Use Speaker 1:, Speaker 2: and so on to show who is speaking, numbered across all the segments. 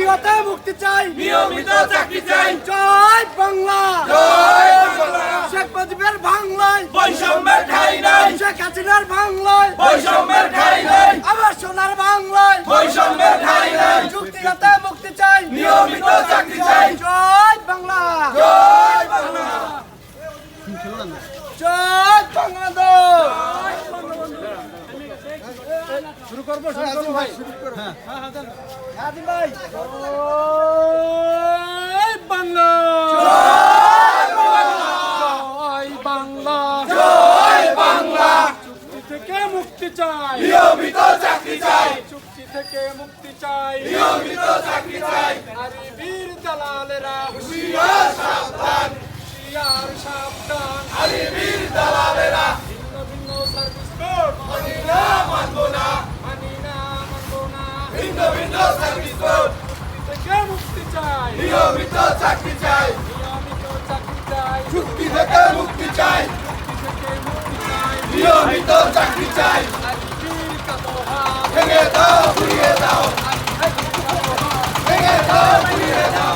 Speaker 1: হতে মুক্তি চাই,
Speaker 2: নিয়মিত চাকরি চাই।
Speaker 1: জয় বাংলা,
Speaker 2: জয় বাংলা।
Speaker 1: শেখ মুজিবের বাংলায়
Speaker 2: বৈষম্যের ঠাঁই নাই,
Speaker 1: শেখ হাসিনার বাংলায়
Speaker 2: বৈষম্যের ঠাঁই নাই,
Speaker 1: আমার সোনার বাংলায়
Speaker 2: বৈষম্যের ঠাঁই নাই।
Speaker 1: চুক্তি হতে মুক্তি চাই,
Speaker 2: নিয়মিত চাকরি চাই।
Speaker 1: জয় বাংলা,
Speaker 2: জয় বাংলা।
Speaker 1: জয় বাংলাদেশ। শুরু করবো ভাই, হ্যাঁ ভাই। জয় বাংলা, জয় বাংলা,
Speaker 2: জয় বাংলা।
Speaker 1: চুক্তি থেকে মুক্তি চাই,
Speaker 2: নিয়মিত চাকরি চাই,
Speaker 1: চুক্তি থেকে মুক্তি চাই।
Speaker 2: নিয়মিত চাকরি চাই।
Speaker 1: আরে বীর দালালেরা
Speaker 2: হুঁশিয়ার সাবধান,
Speaker 1: হুঁশিয়ার সাবধান।
Speaker 2: আরে বীর দালালেরা
Speaker 1: ভিন্ন ভিন্ন সার্ভিস কোড
Speaker 2: মানি না, মানবো না।
Speaker 1: মানি না, মানবো না।
Speaker 2: ভিন্ন ভিন্ন সার্ভিস কোড,
Speaker 1: চুক্তি থেকে মুক্তি চাই,
Speaker 2: নিয়মিত চাকরি চাই।
Speaker 1: নিয়মিত চাকরি চাই,
Speaker 2: চুক্তি থেকে মুক্তি চাই,
Speaker 1: চুক্তি থেকে মুক্তি চাই।
Speaker 2: নিয়মিত চাকরি চাই।
Speaker 1: আরে বীর কালো হাত,
Speaker 2: ভেঙে দাও, ঘুরিয়ে দাও, ভেঙে দাও, ঘুরিয়ে দাও।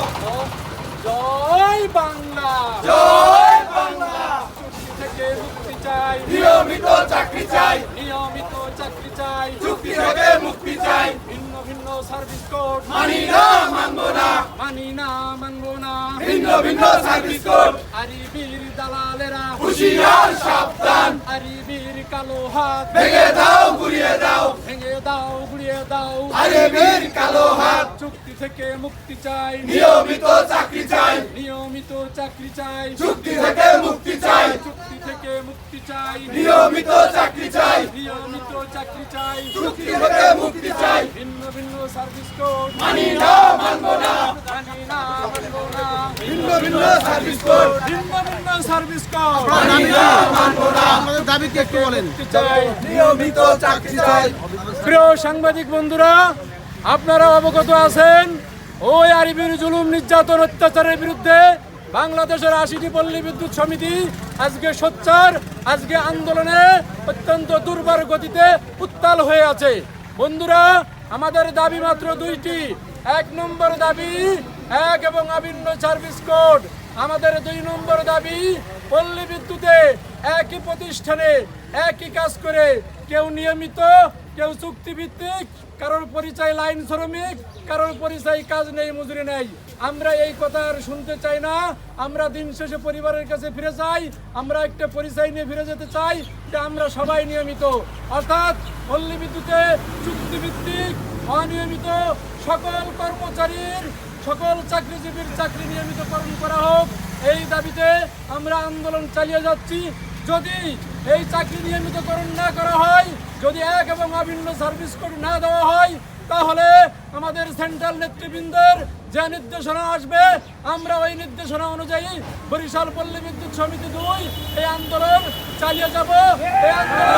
Speaker 1: জয় বাংলা,
Speaker 2: জয় বাংলা।
Speaker 1: চুক্তি থেকে মুক্তি চাই,
Speaker 2: নিয়মিত চাকরি চাই,
Speaker 1: নিয়মিত চাকরি চাই।
Speaker 2: চুক্তি থেকে মুক্তি চাই।
Speaker 1: ভিন্ন ভিন্ন সার্ভিস কোড
Speaker 2: মানি না, মানবো না।
Speaker 1: মানি না, মানবো না।
Speaker 2: ভিন্ন ভিন্ন সার্ভিস কোড,
Speaker 1: আরে বীর দালালেরা
Speaker 2: হুঁশিয়ার সাবধান,
Speaker 1: আরে বীর কালো হাত,
Speaker 2: ভেঙে দাও, ঘুরিয়ে দাও।
Speaker 1: ভেঙে দাও, গুড়িয়ে দাও।
Speaker 2: আরে বীর কালো হাত,
Speaker 1: চুক্তি থেকে মুক্তি চাই,
Speaker 2: নিয়মিত চাকরি চাই,
Speaker 1: নিয়মিত চাকরি চাই।
Speaker 2: চুক্তি থেকে মুক্তি চাই,
Speaker 1: চুক্তি থেকে মুক্তি চাই,
Speaker 2: নিয়মিত চাকরি চাই,
Speaker 1: নিয়মিত চাকরি চাই।
Speaker 2: চুক্তি থেকে মুক্তি চাই।
Speaker 1: ভিন্ন ভিন্ন সার্ভিস কোড
Speaker 2: মানি না, মানবো না।
Speaker 1: মানি না, মানবো না।
Speaker 2: ভিন্ন ভিন্ন সার্ভিস কোড,
Speaker 1: ভিন্ন ভিন্ন সার্ভিস কোড
Speaker 2: মানি না, মানবো না।
Speaker 3: আমাদের দাবিকে একটু বলেন।
Speaker 1: মুক্তি চাই।
Speaker 2: নিয়মিত চাকরি চাই।
Speaker 1: প্রিয় সাংবাদিক বন্ধুরা, আপনারা অবগত আছেন ওই আরিবির জুলুম, নির্যাতন, অত্যাচারের বিরুদ্ধে বাংলাদেশের ৮০টি পল্লী বিদ্যুৎ সমিতি আজকে সোচ্চার, আজকে আন্দোলনে অত্যন্ত দুর্বার গতিতে উত্তাল হয়ে আছে। বন্ধুরা, আমাদের দাবি মাত্র দুইটি। ১ নম্বর দাবি এক এবং অভিন্ন সার্ভিস কোড। আমাদের ২ নম্বর দাবি পল্লী বিদ্যুতে একই প্রতিষ্ঠানে একই কাজ করে, কেউ নিয়মিত, কেউ চুক্তিভিত্তিক, কারোর পরিচয় লাইন শ্রমিক, কারোর পরিচয় কাজ নেই, মজুরি নেই। আমরা এই কথা আর শুনতে চাই না। আমরা দিন শেষে পরিবারের কাছে ফিরে যাই, আমরা একটা পরিচয় নিয়ে ফিরে যেতে চাই যে আমরা সবাই নিয়মিত। অর্থাৎ পল্লী বিদ্যুতে চুক্তিভিত্তিক, অনিয়মিত সকল কর্মচারীর, সকল চাকরিজীবীর চাকরি নিয়মিতকরণ করা হোক, এই দাবিতে আমরা আন্দোলন চালিয়ে যাচ্ছি। যদি এই চাকরি নিয়মিতকরণ না করা হয়, যদি এক এবং অভিন্ন সার্ভিস কোড না দেওয়া হয়, তাহলে আমাদের সেন্ট্রাল নেতৃবৃন্দের যে নির্দেশনা আসবে, আমরা ওই নির্দেশনা অনুযায়ী বরিশাল পল্লী বিদ্যুৎ সমিতি ২ এই আন্দোলন চালিয়ে যাব। এই আন্দোলন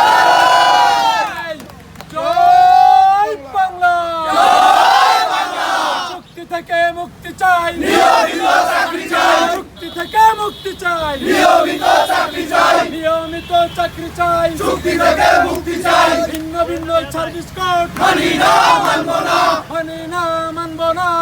Speaker 1: জয় বাংলা, চুক্তি থেকে মুক্তি চাই,
Speaker 2: নিয়মিত চাকরি চাই,
Speaker 1: চুক্তি থেকে মুক্তি চাই,
Speaker 2: নিয়মিত চাকরি চাই,
Speaker 1: নিয়মিত চাকরি চাই,
Speaker 2: চুক্তি থেকে মুক্তি চাই।
Speaker 1: ভিন্ন ভিন্ন সার্ভিস কোড
Speaker 2: মানি না, মানবো না।
Speaker 1: মানি না, মানবো না।